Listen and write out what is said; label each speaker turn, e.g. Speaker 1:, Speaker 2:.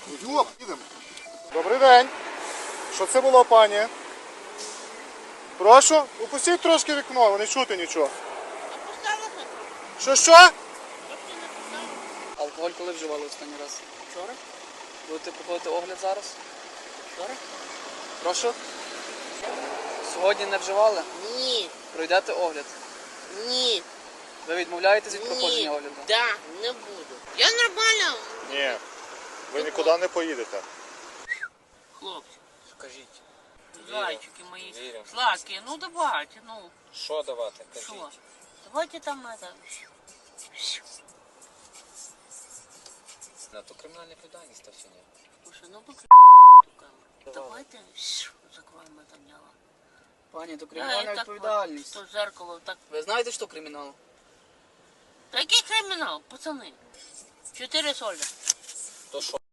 Speaker 1: Йоп, їдемо. Добрий день. Що це було, пані? Прошу, опустіть трошки вікно, не чути нічого. Що?
Speaker 2: Алкоголь коли вживали останній раз? Вчора. Будете проходити огляд зараз? Вчора. Прошу? Сьогодні не вживали?
Speaker 3: Ні.
Speaker 2: Пройдете огляд?
Speaker 3: Ні.
Speaker 2: Ви відмовляєтесь від проходження
Speaker 3: Ні.
Speaker 2: огляду?
Speaker 3: Да, не буду. Я нормально.
Speaker 1: Ні, ви нікуди не поїдете.
Speaker 3: Хлопці,
Speaker 4: Скажіть.
Speaker 3: зайчики мої.
Speaker 4: Вірю.
Speaker 3: Сладкие, ну давайте, ну.
Speaker 4: Що давати? Кажіть.
Speaker 3: Що? Давайте там это.
Speaker 4: На то кримінальна відповідальність та все ні.
Speaker 3: Слушай, ну выключи эту камеру. Давайте закроем это дело.
Speaker 2: Пані, то
Speaker 3: Я
Speaker 2: кримінальна
Speaker 3: и так
Speaker 2: відповідальність.
Speaker 3: вот, то зеркало так.
Speaker 2: Ви знаєте, що кримінал?
Speaker 3: Та який кримінал, пацани? 4 соли.
Speaker 4: То що?